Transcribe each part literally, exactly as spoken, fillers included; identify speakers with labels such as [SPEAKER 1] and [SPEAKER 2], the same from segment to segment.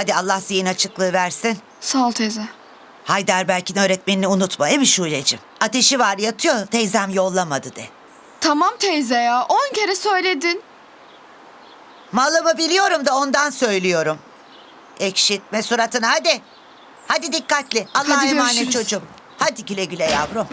[SPEAKER 1] Hadi Allah zihin açıklığı versin.
[SPEAKER 2] Sağ ol teyze.
[SPEAKER 1] Heidelberg'in öğretmenini unutma, değil mi Şuleciğim? Ateşi var, yatıyor, teyzem yollamadı de.
[SPEAKER 2] Tamam teyze ya. On kere söyledin.
[SPEAKER 1] Malımı biliyorum da ondan söylüyorum. Ekşitme suratını, hadi. Hadi dikkatli. Allah'a
[SPEAKER 2] Hadi
[SPEAKER 1] emanet
[SPEAKER 2] görüşürüz.
[SPEAKER 1] çocuğum. Hadi güle güle yavrum.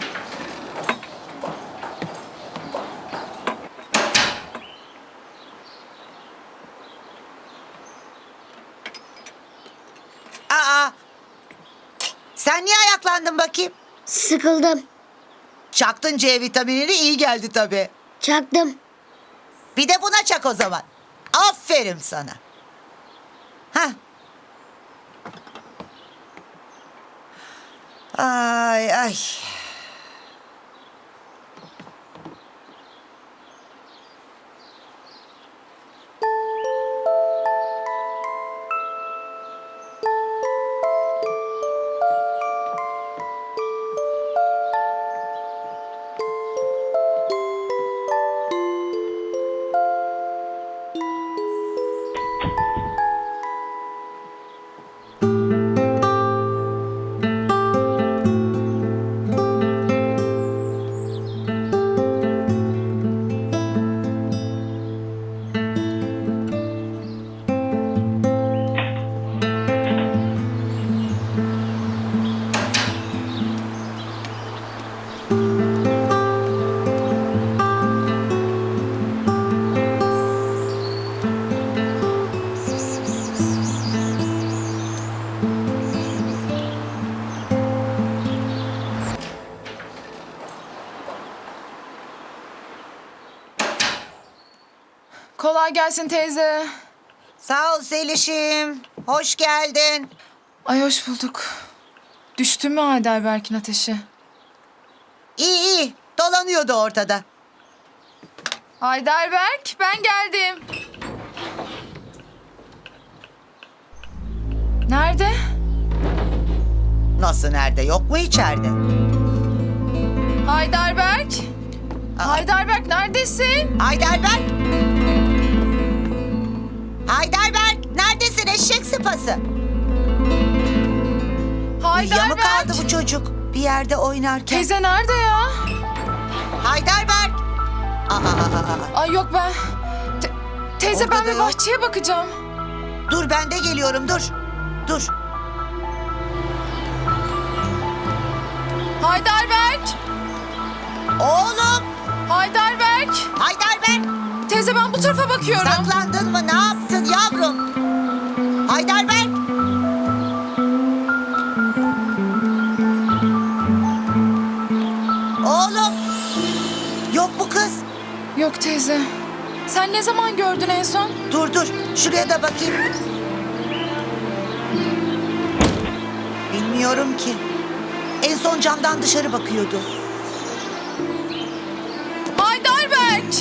[SPEAKER 1] Aa! Sen niye ayaklandın bakayım?
[SPEAKER 3] Sıkıldım.
[SPEAKER 1] Çaktın C vitaminini, iyi geldi tabii.
[SPEAKER 3] Çaktım.
[SPEAKER 1] Bir de buna çak o zaman. Aferin sana. Hah. Ay ay.
[SPEAKER 4] Kolay gelsin teyze.
[SPEAKER 1] Sağ ol Zeliş'im. Hoş geldin.
[SPEAKER 4] Ay hoş bulduk. Düştü mü Heidelberg'in ateşi?
[SPEAKER 1] İyi iyi. Dolanıyordu ortada.
[SPEAKER 4] Heidelberg ben geldim. Nerede?
[SPEAKER 1] Nasıl nerede? Yok mu içeride?
[SPEAKER 4] Heidelberg.
[SPEAKER 1] Aa.
[SPEAKER 4] Heidelberg neredesin?
[SPEAKER 1] Heidelberg. Heidelberg. Neredesin eşek sıpası? Uyuya mı kaldı
[SPEAKER 4] Heidelberg.
[SPEAKER 1] bu çocuk? Bir yerde oynarken.
[SPEAKER 4] Teyze nerede ya?
[SPEAKER 1] Heidelberg. Aa, aa, aa.
[SPEAKER 4] Ay yok ben. Te- teyze
[SPEAKER 1] Orada
[SPEAKER 4] ben
[SPEAKER 1] da
[SPEAKER 4] bir
[SPEAKER 1] yok.
[SPEAKER 4] bahçeye bakacağım.
[SPEAKER 1] Dur ben de geliyorum dur. Dur.
[SPEAKER 4] Heidelberg.
[SPEAKER 1] Oğlum.
[SPEAKER 4] Heidelberg.
[SPEAKER 1] Heidelberg.
[SPEAKER 4] Teyze ben bu tarafa bakıyorum.
[SPEAKER 1] Saklandın mı? Ne yaptın yavrum? Heidelberg. Oğlum. Yok bu kız.
[SPEAKER 4] Yok teyze. Sen ne zaman gördün en son?
[SPEAKER 1] Dur dur. Şuraya da bakayım. Bilmiyorum ki. En son camdan dışarı bakıyordu.
[SPEAKER 4] Heidelberg.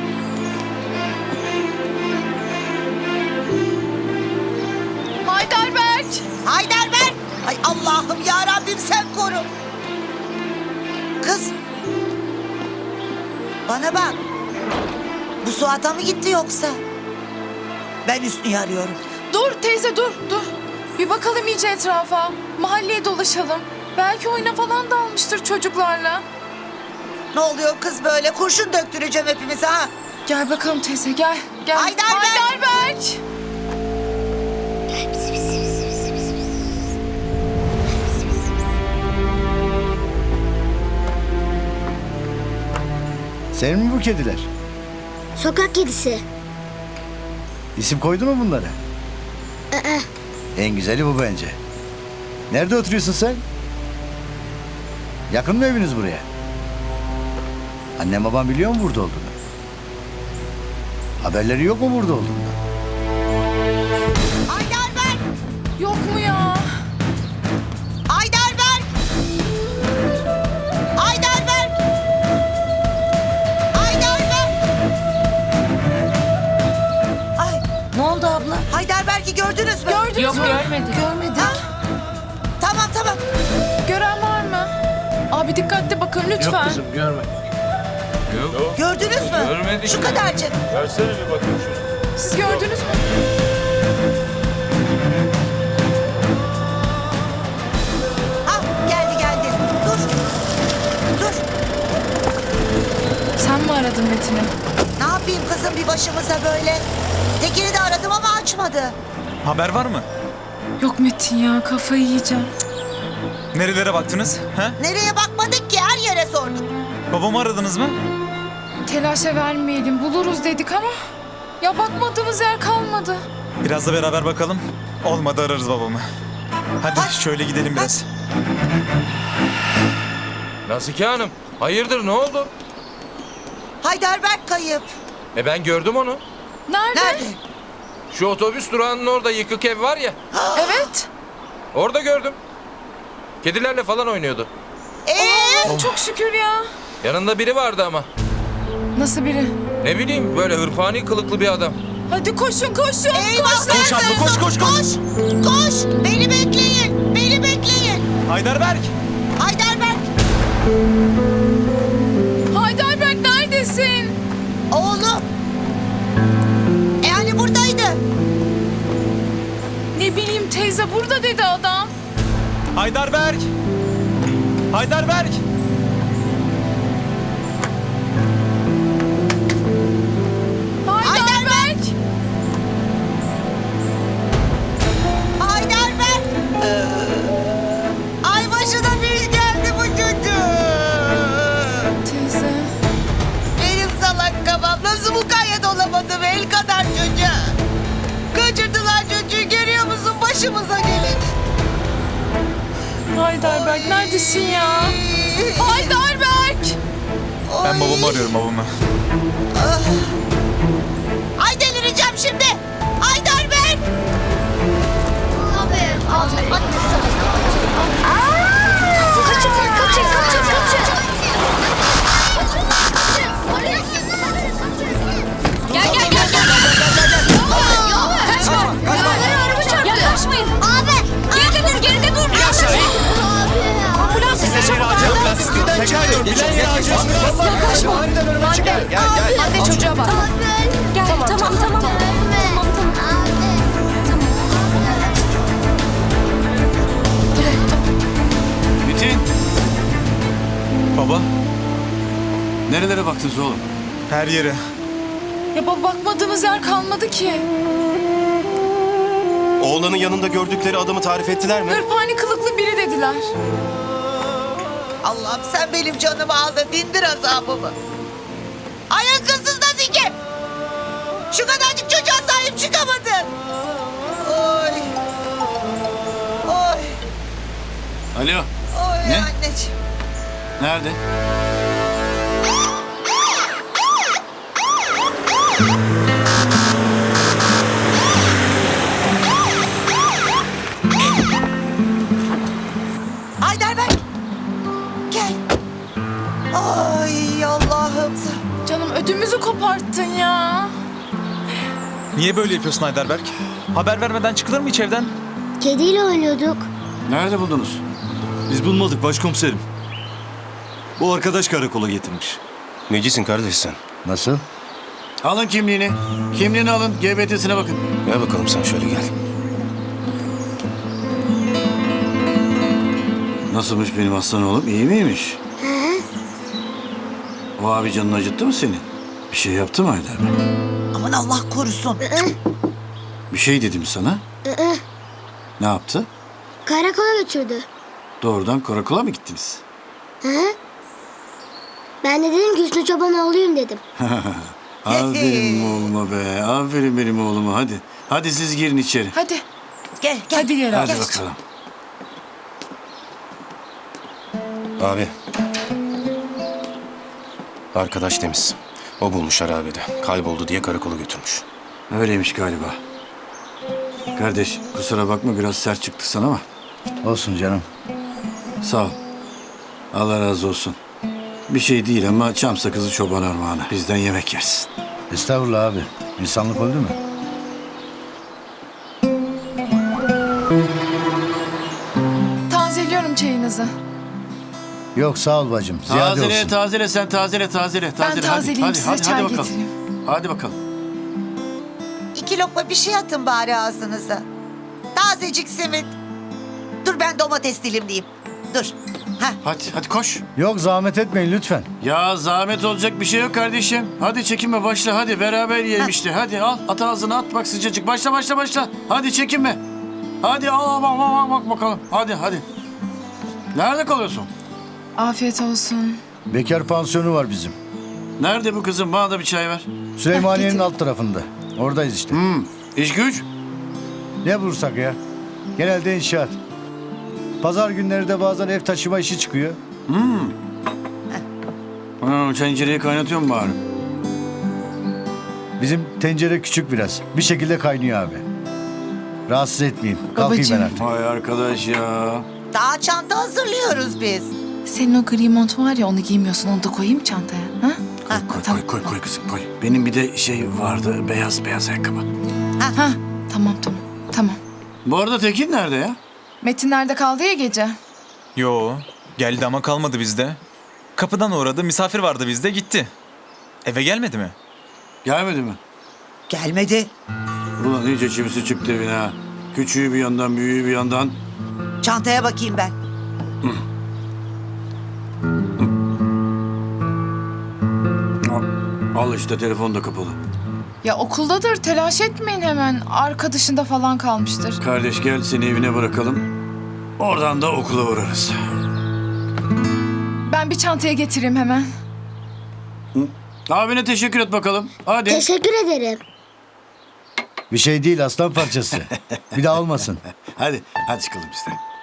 [SPEAKER 4] Heidelberg.
[SPEAKER 1] Heidelberg. Ay Allah'ım ya Rabbim sen koru. Kız. Bana bak. Bu Suat'a mı gitti yoksa? Ben Hüsnü'yü arıyorum.
[SPEAKER 4] Dur teyze dur dur. Bir bakalım iyice etrafa. Mahalleye dolaşalım. Belki oyuna falan dalmıştır çocuklarla.
[SPEAKER 1] Ne oluyor kız böyle? Kurşun döktüreceğim hepimize ha.
[SPEAKER 4] Gel bakalım teyze gel. Gel.
[SPEAKER 1] Heidelberg.
[SPEAKER 4] Heidelberg.
[SPEAKER 5] Senin mi bu kediler?
[SPEAKER 3] Sokak kedisi.
[SPEAKER 5] İsim koydu mu bunlara?
[SPEAKER 3] Aa,
[SPEAKER 5] En güzeli bu bence. Nerede oturuyorsun sen? Yakın mı eviniz buraya? Annem babam biliyor mu burada olduğunu? Haberleri yok mu burada olduğunu?
[SPEAKER 1] Heidelberg.
[SPEAKER 4] Yok mu ya?
[SPEAKER 1] Heidelberg. Heidelberg. Heidelberg. Ay
[SPEAKER 6] Ne oldu abla?
[SPEAKER 1] Heidelberg'i gördünüz mü?
[SPEAKER 4] Gördünüz
[SPEAKER 6] Yok,
[SPEAKER 4] mü?
[SPEAKER 6] görmedik.
[SPEAKER 4] Görmedik.
[SPEAKER 1] Ha? Tamam tamam.
[SPEAKER 4] Gören var mı? Abi dikkatli bakın lütfen.
[SPEAKER 7] Yok kızım görmedim. Yok.
[SPEAKER 1] Gördünüz mü?
[SPEAKER 7] Görmedik.
[SPEAKER 1] Şu kadarcık.
[SPEAKER 7] Versene bir bakayım şuna.
[SPEAKER 4] Siz gördünüz mü? aradın Metin'i?
[SPEAKER 1] Ne yapayım kızım bir başımıza böyle? Tekin'i de aradım ama açmadı.
[SPEAKER 7] Haber var mı?
[SPEAKER 4] Yok Metin ya, kafayı yiyeceğim.
[SPEAKER 7] Nerelere baktınız? Ha?
[SPEAKER 1] Nereye bakmadık ki, her yere sorduk.
[SPEAKER 7] Babamı aradınız mı?
[SPEAKER 4] Telaşa vermeyelim, buluruz dedik ama... Ya bakmadığımız yer kalmadı.
[SPEAKER 7] Biraz da beraber bakalım. Olmadı ararız babamı. Hadi
[SPEAKER 1] Hadi.
[SPEAKER 7] şöyle gidelim biraz.
[SPEAKER 6] Nazike Hanım, hayırdır ne oldu?
[SPEAKER 1] Heidelberg kayıp.
[SPEAKER 6] E ben gördüm onu.
[SPEAKER 4] Nerede?
[SPEAKER 1] Nerede?
[SPEAKER 6] Şu otobüs durağının orada yıkık ev var ya.
[SPEAKER 4] Evet.
[SPEAKER 6] Orada gördüm. Kedilerle falan oynuyordu.
[SPEAKER 1] Ee?
[SPEAKER 4] Çok şükür ya.
[SPEAKER 6] Yanında biri vardı ama.
[SPEAKER 4] Nasıl biri?
[SPEAKER 6] Ne bileyim böyle hırpani kılıklı bir adam.
[SPEAKER 4] Hadi koşun koşun.
[SPEAKER 1] Eyvah!
[SPEAKER 7] Koş abla, koş, koş, koş.
[SPEAKER 1] Koş! Koş! Beni bekleyin! Beni bekleyin!
[SPEAKER 7] Heidelberg!
[SPEAKER 1] Heidelberg!
[SPEAKER 4] Heidelberg neredesin?
[SPEAKER 1] Oğlum! E hani buradaydı?
[SPEAKER 4] Ne bileyim teyze, burada dedi adam.
[SPEAKER 7] Heidelberg! Heidelberg!
[SPEAKER 4] Heidelberg.
[SPEAKER 1] Heidelberg! Ay başına bir iş geldi bu çocuğun.
[SPEAKER 4] Teyze.
[SPEAKER 1] Benim salak kafam nasıl mukayyet olamadım el kadar çocuğa. Kaçırdılar çocuğu, görüyor musun başımıza gelin.
[SPEAKER 4] Heidelberg neredesin ya? Heidelberg.
[SPEAKER 7] Ben babamı arıyorum babamı.
[SPEAKER 1] Ay delireceğim şimdi. Heidelberg!
[SPEAKER 3] Abi, abi. Kaçın, kaçın, kaçın, kaçın.
[SPEAKER 8] Gel gel gel gel. Kaçma. Yaklaşmayın.
[SPEAKER 3] Abi.
[SPEAKER 8] Geride dur, geride dur. Ambulans size çabuk.
[SPEAKER 7] Tekrar dur. Bilen yere acil.
[SPEAKER 8] Yaklaşma. Hande. Hande çocuğa bak. Gel tamam tamam. Tamam tamam.
[SPEAKER 9] Metin,
[SPEAKER 7] Baba,
[SPEAKER 9] nerelere baktınız oğlum?
[SPEAKER 7] her yere.
[SPEAKER 4] Ya baba, bakmadığımız yer kalmadı ki.
[SPEAKER 10] Oğlanın yanında gördükleri adamı tarif ettiler mi?
[SPEAKER 4] Hırpani kılıklı biri dediler.
[SPEAKER 1] Allah'ım sen benim canımı al da dindir azabımı. Ay akılsız Nazike! Şu kadarcık çocuğa sahip çıkamadın. Oy. Oy.
[SPEAKER 9] Alo,
[SPEAKER 1] Oy
[SPEAKER 9] Ne?
[SPEAKER 1] anneciğim.
[SPEAKER 9] nerede?
[SPEAKER 1] Heidelberg. Gel. Ay Allah'ım.
[SPEAKER 4] Canım ödümüzü koparttın ya.
[SPEAKER 7] Niye böyle yapıyorsun Heidelberg? Haber vermeden çıkılır mı hiç evden?
[SPEAKER 3] Kediyle oynuyorduk.
[SPEAKER 9] Nerede buldunuz?
[SPEAKER 10] Biz bulmadık başkomiserim. Bu arkadaş karakola getirmiş. Necisin kardeş sen?
[SPEAKER 5] Nasıl?
[SPEAKER 9] Alın kimliğini. Kimliğini alın, G B T'sine bakın.
[SPEAKER 10] Gel bakalım sen şöyle gel.
[SPEAKER 9] Nasılmış benim aslan oğlum, iyi miymiş? O abi canını acıttı mı senin? Bir şey yaptı mı Heidelberg?
[SPEAKER 1] Aman Allah korusun.
[SPEAKER 9] Bir şey dedi mi sana? Ne yaptı?
[SPEAKER 3] Karakola götürdü.
[SPEAKER 9] Doğrudan karakola mı gittiniz?
[SPEAKER 3] Ben de dedim ki Hüsnü Çoban oğluyum dedim.
[SPEAKER 9] Aferin oğluma be, aferin benim oğluma, hadi. Hadi siz girin içeri.
[SPEAKER 4] Hadi.
[SPEAKER 1] Gel gel.
[SPEAKER 4] Hadi gel
[SPEAKER 9] Hadi
[SPEAKER 4] abi.
[SPEAKER 9] bakalım.
[SPEAKER 10] Abi. Arkadaş temiz. O bulmuş harabede. Kayboldu diye karakola götürmüş.
[SPEAKER 9] Öyleymiş galiba. Kardeş, kusura bakma biraz sert çıktı sana ama
[SPEAKER 5] Olsun canım.
[SPEAKER 9] sağ ol. Allah razı olsun. Bir şey değil ama çam sakızı çoban armağanı. Bizden yemek yersin.
[SPEAKER 5] Estağfurullah abi. İnsanlık öldü mü?
[SPEAKER 4] Tazeliyorum çayınızı.
[SPEAKER 5] Yok sağ ol bacım. Ziyade
[SPEAKER 9] Tazele,
[SPEAKER 5] olsun.
[SPEAKER 9] tazele sen tazele, tazele,
[SPEAKER 4] Ben
[SPEAKER 9] tazele.
[SPEAKER 4] tazeleyeyim,
[SPEAKER 9] hadi,
[SPEAKER 4] size
[SPEAKER 9] hadi,
[SPEAKER 4] çay
[SPEAKER 9] hadi bakalım.
[SPEAKER 4] getireyim.
[SPEAKER 9] Hadi bakalım.
[SPEAKER 1] İki lokma bir şey atın bari ağzınıza. Tazecik simit. Dur ben domates dilimleyeyim. Dur.
[SPEAKER 9] Hadi hadi koş.
[SPEAKER 5] Yok zahmet etmeyin lütfen.
[SPEAKER 9] Ya zahmet olacak bir şey yok kardeşim. Hadi çekinme başla hadi beraber yiyelim işte. Hadi al at ağzına at bak sıcacık. Başla başla başla. Hadi çekinme. Hadi al bak bak bak bakalım. Hadi hadi. Nerede kalıyorsun?
[SPEAKER 4] Afiyet olsun.
[SPEAKER 5] Bekar pansiyonu var bizim.
[SPEAKER 9] Nerede bu kızım? Bana da bir çay ver.
[SPEAKER 5] Süleymaniye'nin alt tarafında. Oradayız işte.
[SPEAKER 9] Hmm. İş güç?
[SPEAKER 5] Ne bulursak ya. Genelde inşaat. Pazar günleri de bazen ev taşıma işi çıkıyor.
[SPEAKER 9] Ha, tencereyi kaynatıyor mu bari?
[SPEAKER 5] Bizim tencere küçük biraz. Bir şekilde kaynıyor abi. Rahatsız etmeyeyim. Kalkayım
[SPEAKER 4] Babacığım.
[SPEAKER 5] ben artık.
[SPEAKER 9] Vay arkadaş ya.
[SPEAKER 1] Daha çanta hazırlıyoruz biz.
[SPEAKER 4] Senin o gri mont var ya onu giymiyorsun. Onu da koyayım çantaya. Ha?
[SPEAKER 9] Koy koy koy koy kızım koy. Benim bir de şey vardı beyaz beyaz ayakkabı.
[SPEAKER 4] Ha, tamam tamam. Tamam.
[SPEAKER 9] Bu arada Tekin nerede ya?
[SPEAKER 4] Metin nerede kaldı ya gece?
[SPEAKER 7] Yo, geldi ama kalmadı bizde. Kapıdan uğradı, misafir vardı bizde, gitti. Eve gelmedi mi?
[SPEAKER 9] Gelmedi mi?
[SPEAKER 1] Gelmedi.
[SPEAKER 9] Ulan iyice çivisi çıktı evine ha. Küçüğü bir yandan, büyüğü bir yandan.
[SPEAKER 1] Çantaya bakayım ben.
[SPEAKER 9] Al işte telefon da kapalı.
[SPEAKER 4] Ya okuldadır. Telaş etmeyin hemen. Arkadaşında falan kalmıştır.
[SPEAKER 9] Kardeş gel seni evine bırakalım. Oradan da okula uğrarız.
[SPEAKER 4] Ben bir çantaya getireyim hemen.
[SPEAKER 9] Abine teşekkür et bakalım. Hadi.
[SPEAKER 3] Teşekkür ederim.
[SPEAKER 5] Bir şey değil aslan parçası. Bir daha olmasın.
[SPEAKER 9] Hadi, hadi çıkalım biz de.